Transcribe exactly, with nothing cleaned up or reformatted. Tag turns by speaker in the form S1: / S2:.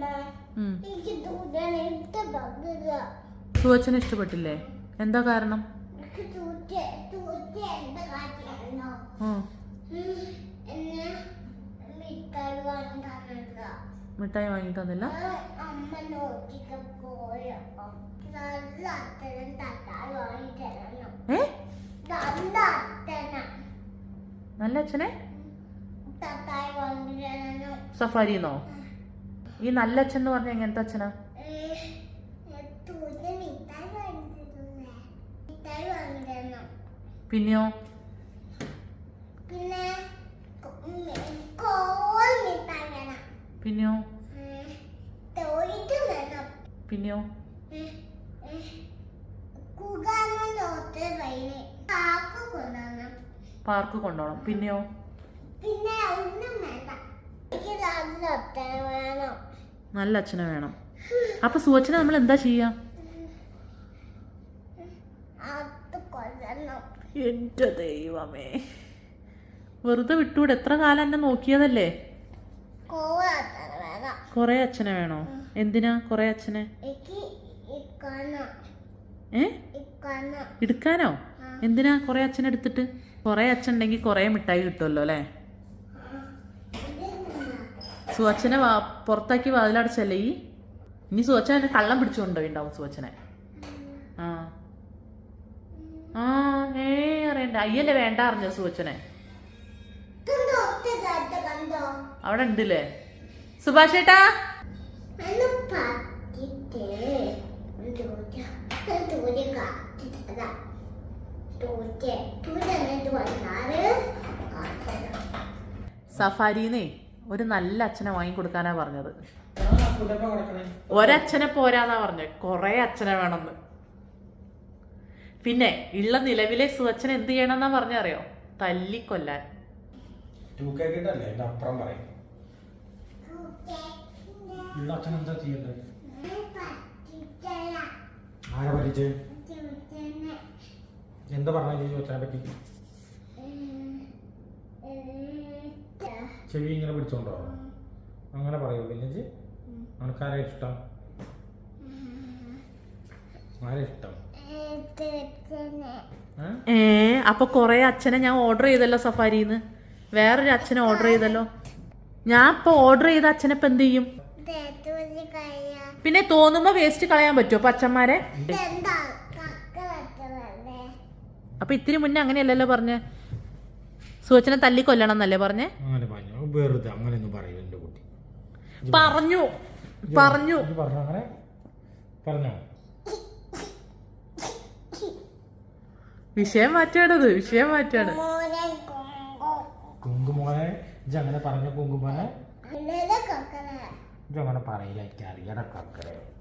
S1: സുവച്ചനെ ഇഷ്ടപ്പെട്ടില്ലേ? എന്താ കാരണം? മിഠായി വാങ്ങി തന്നില്ല. നല്ല അച്ഛനെ സഫാരിന്നോ? ഈ നല്ല അച്ഛൻ എന്ന് പറഞ്ഞ എങ്ങനത്തെ അച്ഛനാ? പിന്നെയോ? പിന്നെയോ? പിന്നെയോ? പാർക്ക് കൊണ്ടുപോകണം. പിന്നെയോ? നല്ല അച്ഛനെ വേണം. അപ്പൊ സുവച്ചനെ നമ്മൾ എന്താ ചെയ്യാ? എന്റെ ദൈവമേ, വെറുതെ വിട്ടൂടെ? എത്ര കാലം എന്നെ നോക്കിയതല്ലേ? കൊറേ അച്ഛനെ വേണോ? എന്തിനാ കൊറേ അച്ഛനെ? ഏ എടുക്കാനോ? എന്തിനാ കൊറേ അച്ഛനെ എടുത്തിട്ട്? കൊറേ അച്ഛൻ ഉണ്ടെങ്കിൽ കൊറേ മിഠായി കിട്ടുമല്ലോ അല്ലേ? സുവച്ചനെ വാ പുറത്താക്കി വാതിലടച്ചല്ലേ ഈ? ഇനി സുവച്ചനെ കള്ളം പിടിച്ചുകൊണ്ടുണ്ടാവും സുവച്ചനെ. ആ ആ ഏ അറിയണ്ട. അയ്യല്ലേ വേണ്ട അറിഞ്ഞ സുവച്ചനെ അവിടെ ഉണ്ടല്ലേ? സുഭാഷ് ഏട്ടാ, സഫാരിന്നേ ഒരു നല്ല അച്ഛനെ വാങ്ങിക്കൊടുക്കാനാ പറഞ്ഞത്. ഒരച്ഛനെ പോരാന്നാ പറഞ്ഞത്, കൊറേ അച്ഛനെ വേണമെന്ന്. പിന്നെ ഉള്ള നിലവിലെ സുവച്ചനെ എന്ത് ചെയ്യണമെന്നാ പറഞ്ഞറിയോ? തല്ലിക്കൊല്ലാൻ.
S2: എന്താ പറഞ്ഞ പറ്റി? ചെവി ഇങ്ങനെ പിടിച്ചോണ്ടോ? അങ്ങനെ പറയൂ. പിന്നെ അനക്കാരാ ഇഷ്ടം? ആരാ ഇഷ്ടം?
S1: ഏ അപ്പൊ കൊറേ അച്ഛനെ ഞാൻ ഓർഡർ ചെയ്തല്ലോ സഫാരിന്ന്. വേറൊരു അച്ഛനെ ഓർഡർ ചെയ്തല്ലോ. ഞാൻ ഇപ്പൊ ഓർഡർ ചെയ്ത അച്ഛനെ ഇപ്പൊ എന്ത് ചെയ്യും? പിന്നെ തോന്നുമ്പോ വേസ്റ്റ് കളയാൻ പറ്റുമോ അപ്പൊ അച്ഛന്മാരെ? അപ്പൊ ഇത്തിരി മുന്നേ അങ്ങനെയല്ലല്ലോ പറഞ്ഞേ? സുവച്ചനെ തല്ലി കൊല്ലണം എന്നല്ലേ പറഞ്ഞേ? പറഞ്ഞു പറഞ്ഞു വിഷയം മാറ്റാണത്, വിഷയം മാറ്റാണ്.
S2: കുങ്കുമോനെ അങ്ങനെ പറഞ്ഞ കുങ്കുമോനെ അങ്ങനെ പറയില്ല. എനിക്ക് അറിയണ കക്കറെ